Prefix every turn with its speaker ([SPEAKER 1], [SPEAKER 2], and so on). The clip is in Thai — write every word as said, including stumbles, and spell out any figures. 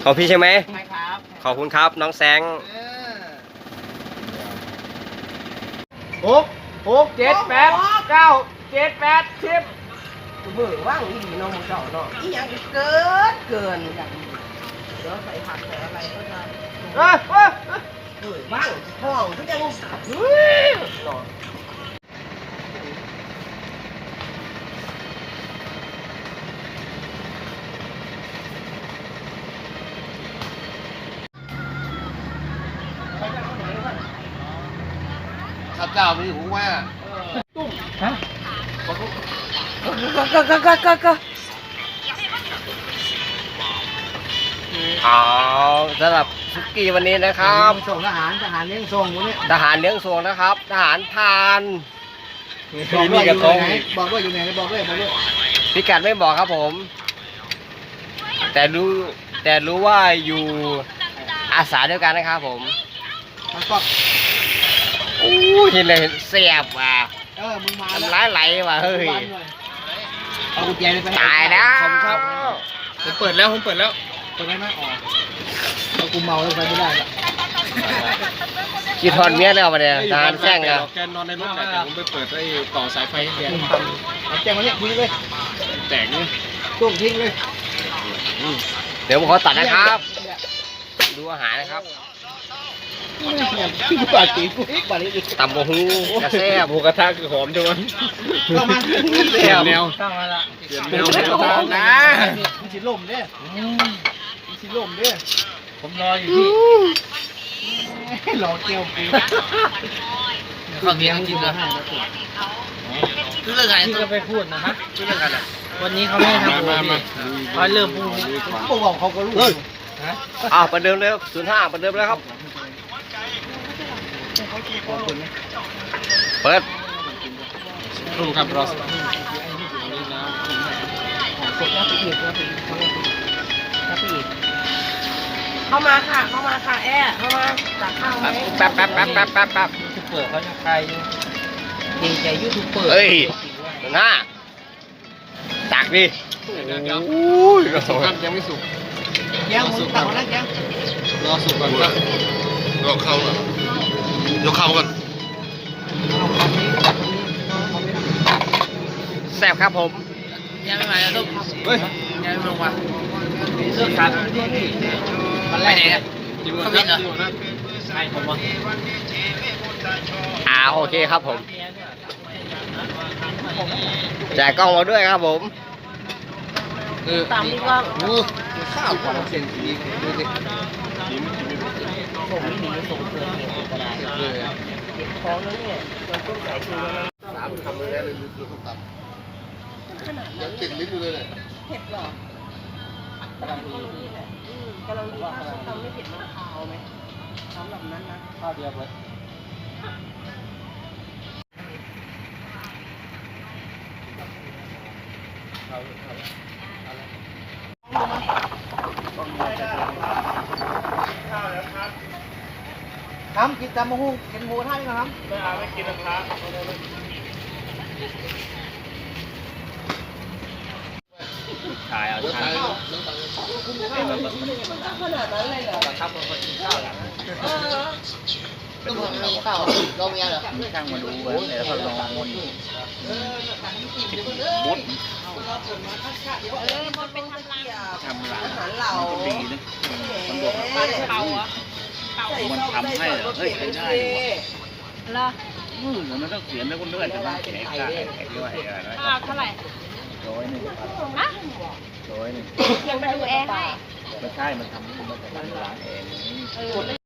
[SPEAKER 1] ของพี่ใช่ไหม
[SPEAKER 2] ใช่ครับ
[SPEAKER 1] ขอบคุณครับน้องแซง
[SPEAKER 2] หกหกเจ็ดแปดเก้าเจ็ดแปดสิบมือว่างอีน้องมึงเจ้าเนาะอีหยังเกินเกินอย่างนี้เดี๋ยวใส่ผักใส่อะไรก็จะเออเออเออว่างท้องทุกอย่างเฮ้ยเนาะ
[SPEAKER 3] ข้าเจ้ามีหูว่า
[SPEAKER 2] ตุ้มฮะก็ก็ก็ก็ก็ก็
[SPEAKER 1] เอาสำหรับสุกี้วันนี้นะครับ
[SPEAKER 2] ส่งทหารทหารเลี้ยงส่งวันนี้
[SPEAKER 1] ทหารเลี้ยงส่งนะครับทหารพาน
[SPEAKER 2] บอกด้วยอยู่ไหนบอกด้วยอยู่ไหนบอกด้วยบอกด้วย
[SPEAKER 1] พิกัดไม่บอกครับผม แต่รู้แต่รู้ว่าอยู่อาสาเดียวกันนะครับผม
[SPEAKER 2] มันก็
[SPEAKER 1] โอ้ยเห็นเลยเสียบว่ะ
[SPEAKER 2] เออมึงมา
[SPEAKER 1] ทำร้ายไหลว่ะเฮ้ย
[SPEAKER 2] เอากุญแจไป
[SPEAKER 1] ตายแล้ว
[SPEAKER 3] ครับผมเปิดแล้วผมเปิดแล้ว
[SPEAKER 2] เปิดได้ไหมอ๋อเอากูเมาแล้วไปไม่ได้ละ
[SPEAKER 1] กีทอนเมียแล้วมาเนี่ยทหารแจ้งอ่ะ
[SPEAKER 3] แกนอนในรถแต่ผมไปเปิดไอ้ต่อสายไฟให้แก
[SPEAKER 2] เอาแจ้งมาเนี่ยทิ้งเลย
[SPEAKER 3] แตกนี่
[SPEAKER 2] ตุ้มทิ้งเลย
[SPEAKER 1] เดี๋ยวผมขอตัดนะครับ ดูอาหารนะครับ
[SPEAKER 2] ที่ปาตีกูอีกปาตีอีก
[SPEAKER 1] ตำบะฮูกระแซบ
[SPEAKER 3] หมูกระทะคือหอมจังวะ
[SPEAKER 2] เข้ามา
[SPEAKER 3] เปลี่ยนแนว
[SPEAKER 2] เข้ามาละ
[SPEAKER 3] เปลี่ยนแนวหมูกระทะนะ
[SPEAKER 2] มีชิล่มเนี่ยมีชิล่มเนี่ยผมรออยู่ที่รอเกี่ยวปู
[SPEAKER 4] ข้าวเมียงจริงเหรอคือเรื่องอะไร
[SPEAKER 2] ที่
[SPEAKER 4] ต้
[SPEAKER 2] ก็
[SPEAKER 4] อง
[SPEAKER 2] ไปพูดนะฮะ
[SPEAKER 4] คือเรื่องอะไร
[SPEAKER 2] วันนี้เขาไม่ให้ทำ
[SPEAKER 3] มามา
[SPEAKER 2] เขาเริ่มพูดเขาบอกเขาก็รู้ฮะ
[SPEAKER 1] อ้าวประเดิมเลยศูนย์ห้าประเดิมแล้วครับ เปิด
[SPEAKER 3] รูครับรอส
[SPEAKER 2] เข้ามาค่ะเข้ามาค่ะแอะเข้ามาตักข้าวไหม
[SPEAKER 1] แป๊บแป๊บแป๊บแป๊บแป๊บแป๊บ
[SPEAKER 2] ยูทูบเปิดเขาจะใครดีใจยูทูบเปิด
[SPEAKER 1] เฮ้ยศูนย์ห้าตักดิ
[SPEAKER 3] เดี๋ยวเดี๋ยว
[SPEAKER 1] อุ้ย
[SPEAKER 3] สุกครับยังไม่สุก
[SPEAKER 2] แก้วมึงตักมาแล้วแก้ว
[SPEAKER 3] รอสุกก่อนครับรอเข้าก่อนยกเข้าก่อน
[SPEAKER 1] แซ่บครับผม
[SPEAKER 4] ยังไม่มาแล้วลูก
[SPEAKER 3] เฮ้ย
[SPEAKER 4] ยังไม่ลงมา
[SPEAKER 2] เรื่องการ
[SPEAKER 4] ไปไหนอ่ะ
[SPEAKER 3] จิ้มก่อนครับจิ้มก่อนครับ
[SPEAKER 2] ใช่ผมว่า
[SPEAKER 1] อ่าโอเคครับผมจ่ายกล้องมาด้วยครับผม
[SPEAKER 3] เออ
[SPEAKER 2] ตามนี่ว่า
[SPEAKER 3] โอ้ข้าวของเส้นสีดูสิจิ้มจิ้ม
[SPEAKER 2] ส่งไม่หนีส่งเกินเหตุก็ได้
[SPEAKER 3] เลย
[SPEAKER 2] เก็บของแล้วเนี่ยเราต้องใส่ชูแล้ว
[SPEAKER 3] สามคำเลยนะเลยดูส้มตำยังติดลิ้นอยู่เลยเนี่ย
[SPEAKER 2] เผ็ดหรอกำลังดีแหละกำลังดีถ้าส้มตำไม่เผ็ดมากคาวไหมสำหรับนั้นนะข้าวเดียวเลยครับกินตำมะฮุ่งกินหมูท่านนะครับไม่เอาไม่กินนะครับ
[SPEAKER 1] ถ่ายเอาถ่าย
[SPEAKER 2] ขนาดนั้นเลยเหรอ
[SPEAKER 1] ครับผมคนกินข้าวแล้ว
[SPEAKER 2] เออ
[SPEAKER 4] ต้องมีเปล่าเรามีเหรอ
[SPEAKER 1] ช่างมาดูเดี๋ยวเขาลองมด
[SPEAKER 2] เออมันเป็นทำลายทำลายอาหารเหล่าดีนะมันบวกกับเป่าอ่ะมันทำให้เฮ้ยได้เหรอ
[SPEAKER 1] อืมมันต้องเขียนแล้วก็เลื่อนใช่ไหมแขกได้แขกด้วยอะไร
[SPEAKER 5] เท่าไหร่
[SPEAKER 1] ร้อยหนึ่ง
[SPEAKER 5] ฮะ
[SPEAKER 1] ร้อยหนึ่ง
[SPEAKER 5] ยังไปดูแอร์ให้
[SPEAKER 1] ไม่ใช่มันทำมันจะร้านเอง